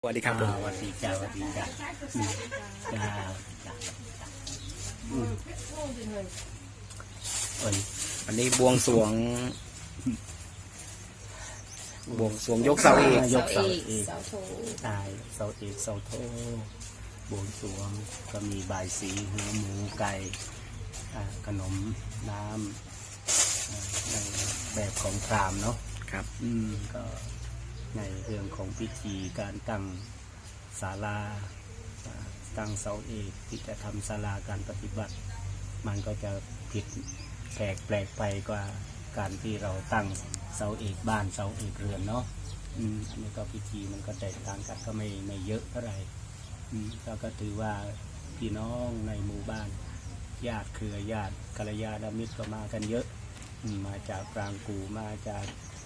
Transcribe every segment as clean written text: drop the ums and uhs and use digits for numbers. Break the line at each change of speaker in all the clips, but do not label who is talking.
สวัสดีครับ
สวัสดีจ้าสวัสดีจ้าจ้า
วันนี้บวงสรวงยกเสาเอก
ยกเสาเอก
เสาโท
ตายเสาเอกเสาโทบวงสรวงก็มีบายสีหัวหมูไก่ขนมน้ำในแบบของพราหมณ์เนาะ
ครับ
ก็ในเรื่องของพิธีการตั้งศาลาตั้งเสาเอกที่จะทำศาลาการปฏิบัติ มันก็จะผิดแปลกไปกว่าการที่เราตั้งเสาเอกบ้านเสาเอกเรือนเนาะอันนี้ก็พิธีมันก็แตกต่างกันก็ไม่เยอะเท่าไหร่เราก็ถือว่าพี่น้องในหมู่บ้านญาติเครือญาติกัลยาณมิตรก็มากันเยอะมาจากปรางกูมาจาก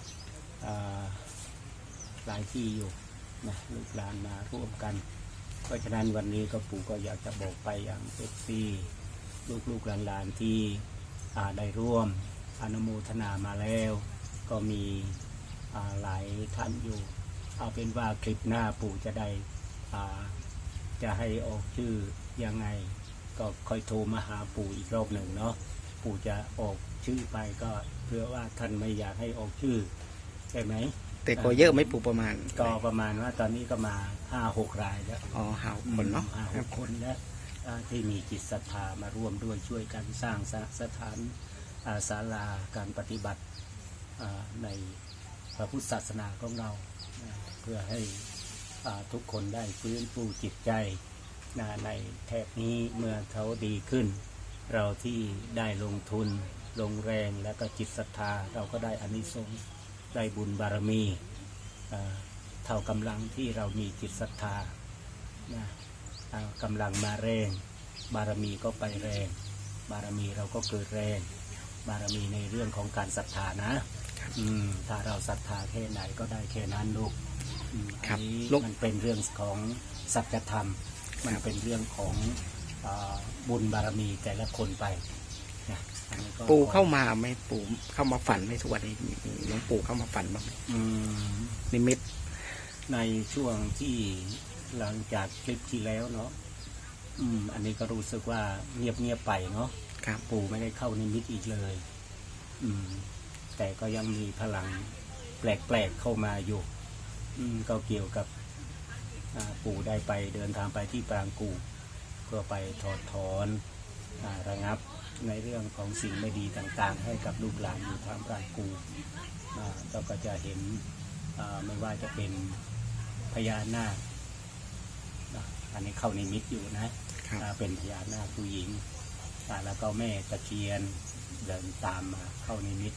หลายที่อยู่นะลูกหลานมาร่วมกันเพราะฉะนั้นวันนี้ก็ปู่ก็อยากจะบอกไปอย่างเอฟซีลูกหลานที่ได้ร่วมอนุโมทนามาแล้วก็มีหลายท่านอยู่เอาเป็นว่าคลิปหน้าปู่จะได้จะให้ออกชื่อยังไงก็ค่อยโทรมาหาปู่อีกรอบหนึ่งเนาะปู่จะออกชื่อไปก็เพื่อว่าท่านไม่อยากให้ออกชื่อใช่ไหม
แต่ก็เยอะไหมปู่ประมาณ
ก็ประมาณว่าตอนนี้ก็มา 5-6 รายแล้ว
5 คนเนาะ
5-6 คนแล้วที่มีจิตศรัทธามาร่วมด้วยช่วยกันสร้างสถานศาลาการปฏิบัติในพระพุทธศาสนาของเราเพื่อให้ทุกคนได้ฟื้นฟูจิตใจในแถบนี้เมื่อเขาดีขึ้นเราที่ได้ลงทุนลงแรงและก็จิตศรัทธาเราก็ได้อานิสงส์ได้บุญบารมีเท่ากำลังที่เรามีจิตศรัทธากำลังมาแรงบารมีก็ไปแรงบารมีเราก็เกิดแรงบารมีในเรื่องของการศรัทธานะถ้าเราศรัทธาแค่ไหนก็ได้แค่นั้นลูกอันนี้มันเป็นเรื่องของสัจธรรมมันเป็นเรื่องของบุญบารมีแต่ละคนไปนะ
ปู่เข้ามาไหมปู่เข้ามาฝันไหมทุกวันนี้หลวงปู่เข้ามาฝันบ้างไหมนิมิต
ในช่วงที่หลังจากคลิปที่แล้วเนาะอันนี้ก็รู้สึกว่าเงียบไปเนาะปู่ไม่ได้เข้านิมิตอีกเลยแต่ก็ยังมีพลังแปลกๆเข้ามาอยู่ก็เกี่ยวกับปู่ได้ไปเดินทางไปที่ปรางกูเพื่อไปถอดถอนระงับในเรื่องของสิ่งไม่ดีต่างๆให้กับลูกหลานอยู่ทางปรางกูเราก็จะเห็นไม่ว่าจะเป็นพญานาคอันนี้เข้าในมิตอยู่นะเป็นพญานาคผู้หญิงแล้วก็แม่ตะเคียนเดินตามมาเข้าในมิต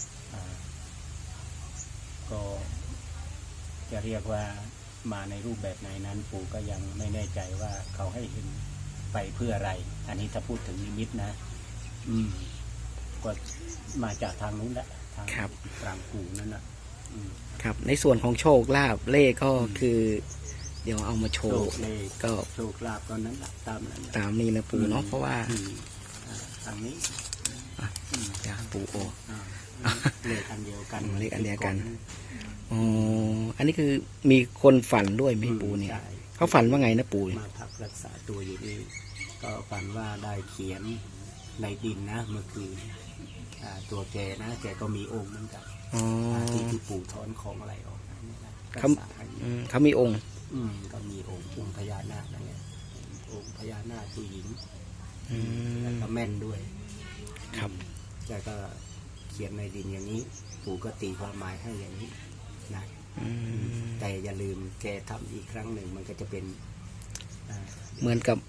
ก็จะเรียกว่ามาในรูปแบบไหนนั้นปู่ก็ยังไม่แน่ใจว่าเขาให้เห็นไปเพื่ออะไรอันนี้ถ้าพูดถึงนิมิตนะก็มาจากทางนู้นแหละทางปรางกูนั่น
ครับในส่วนของโชคลาภเลขก็คือ เดี๋ยวเอามาโชว์ก็
โชคลาภก็นั้น
ตามนี้นะปู่เนาะเพราะว่า
ทางนี้
จะปู่โอ
เลขอันเดียวกัน
เลขอันเดียวกันอันนี้คือมีคนฝันด้วยไหมปู่เนี่ยเขาฝันว่าไงนะปู่
มาพักรักษาตัวอยู่นี่ก็ฝันว่าได้เขียนในดินนะเมื่อคืนตัวแกนะแกก็มีองค์เหมือนกันที่ปู่ถอนของอะไรออก
เขามีองค์
ก็มีองค์พญานาคนั่นแหละองค์พญานาคผู้หญิงแล้วก็แม่นด้วย
ครับ
แกก็เขียนในดินอย่างนี้ปู่ก็ตีความหมายให้อย่างนี้นะแต่อย่าลืมแกทำอีกครั้งหนึ่งมันก็จะเป็น
เหมือนกับ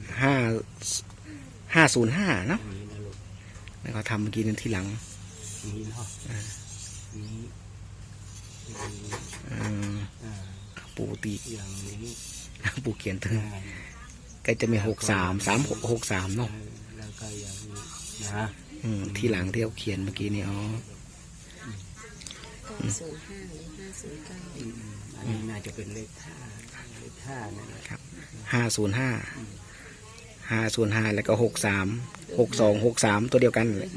505เนาะแล้วก็ทำเมื่อกี้นั้นที่หลัง
นี้เนาะ
ปู่ตี
อย่างนี้
ปู่เขียนถึงก็จะมี63เนาะ
แล้วก็อย่างนี้นะ
ที่หลังที่เขาเขียนเมื่อกี้นี่
905หรือ509
อันนี้น่าจะเป็นเลข5นะครับ
505แล้วก็63ตัวเดียวกันเลย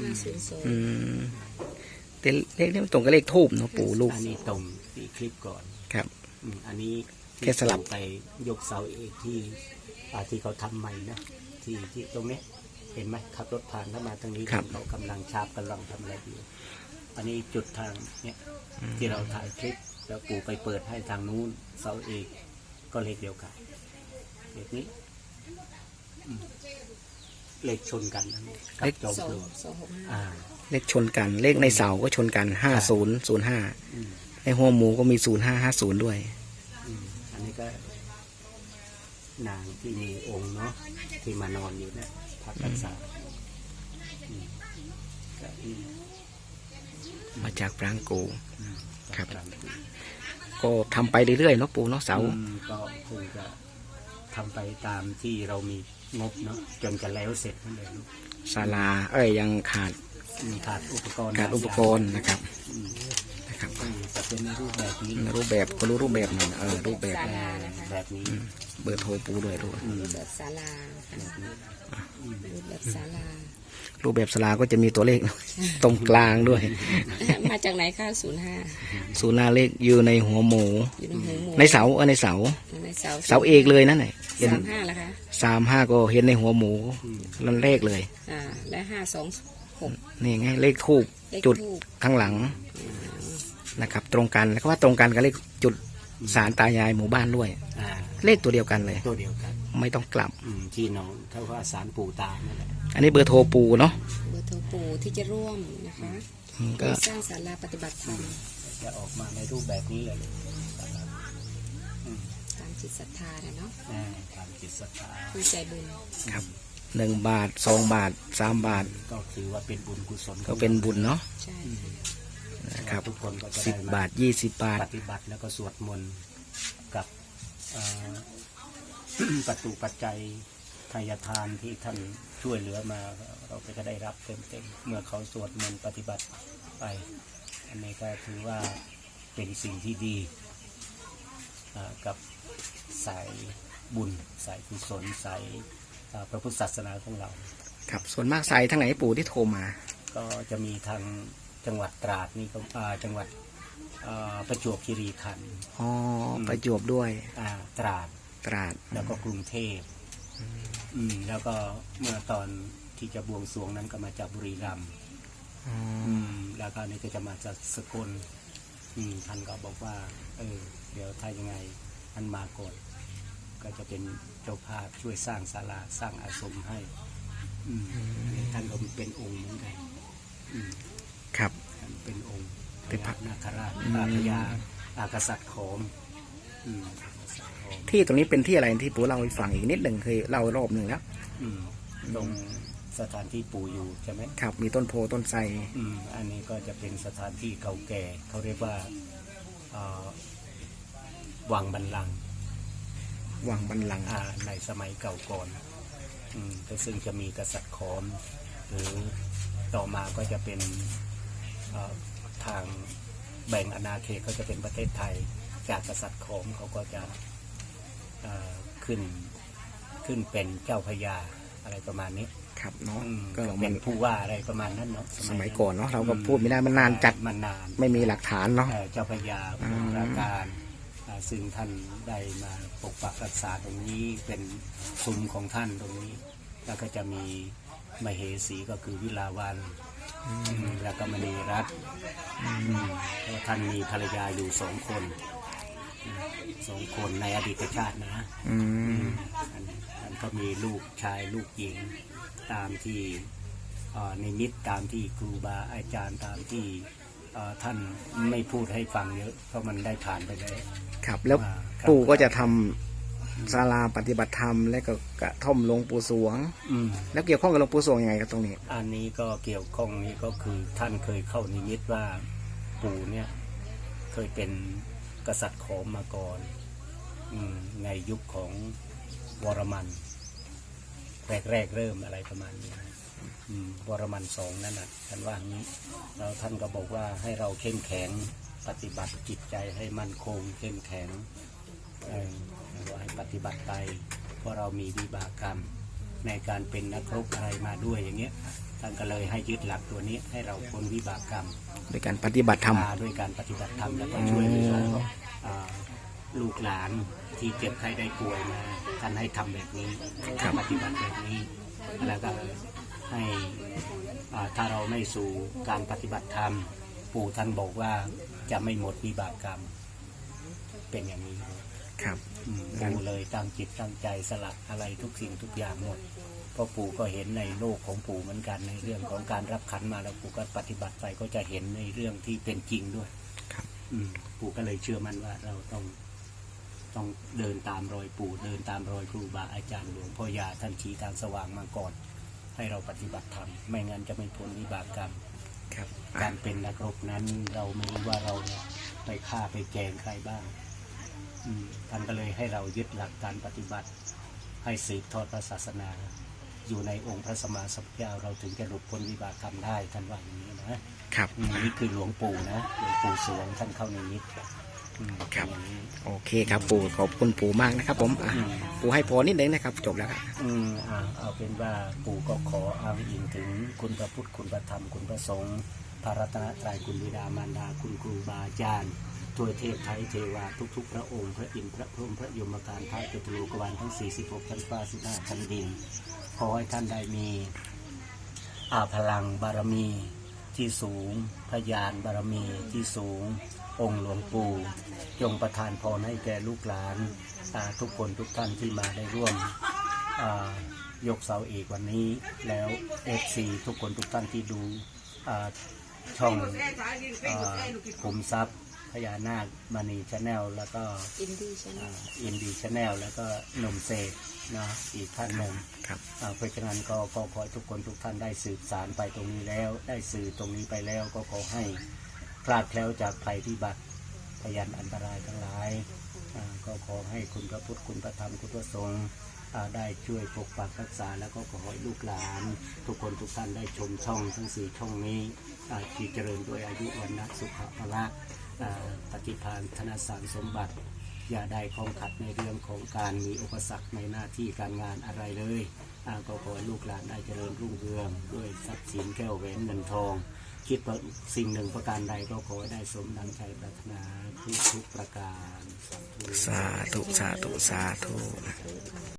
แต่เลขนี้มันตรงกับเลขทูบเนาะปู่ลูก
อันนี้ตรงที่คลิปก่อน
ครับ
อันนี้
แค่สลับ
ไปยกเสาเอกที่เขาทำใหม่นะที่ตรงนี้เห็นไหมขับรถผ่านเข้ามาทางนี้เขากำลังชาบกำลังทำอะไรอยู่อันนี้จุดทางเนี่ยที่เราถ่ายคลิปแล้วปู่ไปเปิดให้ทางนู้นเสาเอกก็เลขเดียวกันเลขนี้เลขชนกันนะกับจอมปลวก
เลขชนกันเลขในเสาก็ชนกัน5005ในหัวหมูก็มี0550ด้วย
อันนี้ก็นางที่มีองค์เนาะที่มานอนอยู่เนี่ยพักรักษาก็
มาจากปรางกู ครับ
ปางกู
ก็ทำไปเรื่อยๆเนาะปู่เนาะเสา
ก็คงจะทำไปตามที่เรามีงบเนาะจนจะแล้วเสร็จนั่นเอง
ศาลายังขาด
ขาดอุปกรณ์
นะครับนะครับ
จะเป็นในรูปแบบนี้
รูปแบบก็รู้รูปแบบหนึ่งรูปแบบ
แบบนี้
เบอร์โทรปู่ด้วยรูป
รูปแบบศาลารูปแบบศาลา
รูปแบบศาลาก็จะมีตัวเลข ตรงกลางด้วย
มาจากไหนคะ05
ศูนย์หน้าเลขอยู่ในหัวหมู
อยู่ในหัวหมู
ในเสาในเสา
ในเสา
เสาเอกเลยนั่นแหละเห็น
35แล้วคะ
35ก็เห็นในหัวหมูนั่นเลขเลย
และ526
นี่ไงเลขทูบ
เลข
จุด
ทูป
ข้างหลังนะครับ ตรงกันแล้วก็ว่าตรงกันกับเลขจุดศาลตายายหมู่บ้านด้วย เลขตัวเดียวกันเลย
ตัวเดียวกัน
ไม่ต้องกลับ
ที่น้องเขาว่าสารปู่ตานั่นแหละ
อันนี้เบอร์โทรปู่เนาะ
เบอร์โทรปู่ที่จะร่วมนะคะ
ก็
สร้างศาลาปฏิบัติธรรม
จะออกมาในรูปแบบนี้เลย
ตามจิตศรัทธาเนาะ
ตามจิตศรัทธา
ผู้ใจบุญ
ครับ1 บาท2 บาท3 บาท
ก็คือว่าเป็นบุญกุศล
ก็เป็นบุญเนาะ
ใช่
นะครับ
ทุกคนก็จะได้
10 บาท20 บาท
ปฏิบัติแล้วก็สวดมนต์กับประตูปัจจัยทายทานที่ท่านช่วยเหลือมาเราก็จะได้รับเต็มๆเมื่อเขาสวดมนต์ปฏิบัติไป อันนี้ก็ถือว่าเป็นสิ่งที่ดีกับสายบุญสายกุศลสายพระพุทธศาสนาของเรา
ครับส่วนมากสายทางไหนปู่ที่โทรมา
ก็จะมีทางจังหวัดตราดนี่ก็จังหวัดประจวบคีรีขันธ์
อ๋อประจวบด้วย
ตราด
ตราด
แล้วก็กรุงเทพแล้วก็เมื่อตอนที่จะบวงสรวงนั้นก็มาจากบุรีรัมย์แล้วก็นี่ก็จะมาจากสกลท่านก็บอกว่าเดี๋ยวถ้ายังไงท่านมาก่อนก็จะเป็นเจ้าภาพช่วยสร้างศาลาสร้างอาสมให้ท่านก็เป็นองค์เหมือนกัน
ครับ
ท่านเป็นองค์พ
เป็นพ
ญา
ระ
นาคราชพญากษัตริย์โขม
ที่ตรงนี้เป็นที่อะไรที่ปู่เล่าให้ฟังอีกนิดหนึ่งเคยเล่ารอบหนึ่งแล้ว
ตรงสถานที่ปู่อยู่ใช่ไหม
ครับมีต้นโพต้นไทร
อันนี้ก็จะเป็นสถานที่เก่าแก่เขาเรียกว่าวังบันลังก์
วังบันลังก์
ในสมัยเก่าก่อนแต่ซึ่งจะมีกษัตริย์ขอมหรือต่อมาก็จะเป็นทางแบ่งอาณาเขตก็จะเป็นประเทศไทยจากกษัตริย์ขอมเขาก็จะขึ้นเป็นเจ้าพญาอะไรประมาณนี้
ครับเนาะ
ก็เป็นผู้ว่าอะไรประมาณนั้นเนาะ
สมัยก่อนเนาะเราก็พูดไม่ได้มันนานจัด
มันนาน
ไม่มีหลักฐานเนาะ
เจ้าพญาผู้ราการซึ่งท่านได้มาปกปักรักษาตรงนี้เป็นซุ้มของท่านตรงนี้ แล้วก็จะมีมเหสีก็คือวิลาวันแล้วก็มณีรัตน์เพราะท่านมีภรรยาอยู่2 คนในอดีตชาตินะท่านก็มีลูกชายลูกหญิงตามที่ในมิตตามที่ครูบาอาจารย์ตามที่ท่านไม่พูดให้ฟังเยอะเพราะมันได้ผ่านไปแล้ว
ครับแล้วปู่ก็จะทำศาลาปฏิบัติธรรมและก็กระท่อมหลวงปู่สวงแล้วเกี่ยวข้องกับหลวงปู่สวงยังไงครับตรงนี้
อันนี้ก็เกี่ยวข้องนี้ก็คือท่านเคยเข้านิมิตว่าปู่เนี่ยเคยเป็นกษัตริย์ขอมมาก่อนในยุคของวรมันแรกเริ่มอะไรประมาณนี้วรมัน2นั่นน่ะท่านว่าอย่างนี้แล้วท่านก็บอกว่าให้เราเข้มแข็งปฏิบัติจิตใจให้มั่นคงเข้มแข็งให้ปฏิบัติไปเพราะเรามีวิบากกรรมในการเป็นนักรบอะไรมาด้วยอย่างเงี้ยท่านก็เลยให้ยึดหลักตัวนี้ให้เราพ้นวิบากกรรม
ด้วยการปฏิบัติธรรม
ด้วยการปฏิบัติธรรมแล้วก็ช่วยเหลือลูกหลานที่เจ็บไข้ได้ป่วยมาท่านให้ทำแบบนี้ปฏิบัติแบบนี้แล้วก็ให้ถ้าเราไม่สู่การปฏิบัติธรรมปู่ท่านบอกว่าจะไม่หมดวิบากกรรมเป็นอย่างนี้
ครับ
ปู่เลยตั้งจิตตั้งใจสละอะไรทุกสิ่งทุกอย่างหมดเพราะปู่ก็เห็นในโลกของปู่เหมือนกันในเรื่องของการรับขันมาแล้วปู่ก็ปฏิบัติไปก็จะเห็นในเรื่องที่เป็นจริงด้วยปู่ก็เลยเชื่อมั่นว่าเราต้องเดินตามรอยปู่เดินตามรอยครูบาอาจารย์หลวงพ่อยาท่านชี้ทางสว่างมาก่อนให้เราปฏิบัติธรรมไม่งั้นจะไม่พ้นวิบากกรรมการเป็นนักรบนั้นเราไม่รู้ว่าเราไปฆ่าไปแกล้งใครบ้างท่านก็เลยให้เรายึดหลักการปฏิบัติให้สืบทอดพระศาสนาอยู่ในองค์พระสัมมาสัมพุทธเจ้าเราถึงจะหลุดพ้นวิบากกรรมได้ท่านว่าอย่างนี้นะครับนี่คือหลวงปู่นะหลวงปู่สวงท่านเข้าในนิด
ครับโอเคครับปู่ขอบคุณปู่มากนะครับผมปู่ให้พรนิดนึงนะครับจบแล้วครับ
เอาเป็นว่าปู่ก็ขออ้างอิงถึงคุณพระพุทธคุณพระธรรมคุณพระสงฆ์พระรัตนตรัยคุณบิดามารดาคุณครูบาอาจารย์ทวยเทพไทยเทวาทุกๆพระองค์พระอินทร์พระพรหมพระยมการท้ายจตุโลกวาลทั้ง46ชั้นฟ้า15ชั้นดินขอให้ท่านได้มีพลังบารมีที่สูงพยานบารมีที่สูงองค์หลวงปู่จงประทานพรให้แก่ลูกหลานทุกคนทุกท่านที่มาได้ร่วมยกเสาเอกวันนี้แล้วFCทุกคนทุกท่านที่ดูช่องขุมทรัพย์พญานาคมณีชาแนลแล้วก็อินดีชาแนลแล้วก็หนุ่มเสกนะอีกท่านหนึ่งเพราะฉะนั้นก็ขอทุกคนทุกท่านได้สืบสารไปตรงนี้แล้วได้สื่อตรงนี้ไปแล้วก็ขอให้พลาดแคล้วจากภัยพิบัติพยันอันตรายทั้งหลายก็ขอให้คุณพระพุทธคุณพระธรรมคุณพระสงฆ์ได้ช่วยปกปักรักษาแล้วก็ขอให้ลูกหลานทุกคนทุกท่านได้ชมช่องทั้ง4ช่องนี้ที่เจริญด้วยอายุวันนะสุขภาพปฏิภาณธนสารสมบัติอย่าได้ข้องขัดในเรื่องของการมีอุปสรรคในหน้าที่การงานอะไรเลยก็ขอให้ลูกหลานได้เจริญรุ่งเรืองด้วยทรัพย์สินแก้วแหวนเงินทองคิดว่าสิ่งหนึ่งประการใดก็ขอให้ได้สมดังใจปรารถนาทุกประการ
สาธุสาธุ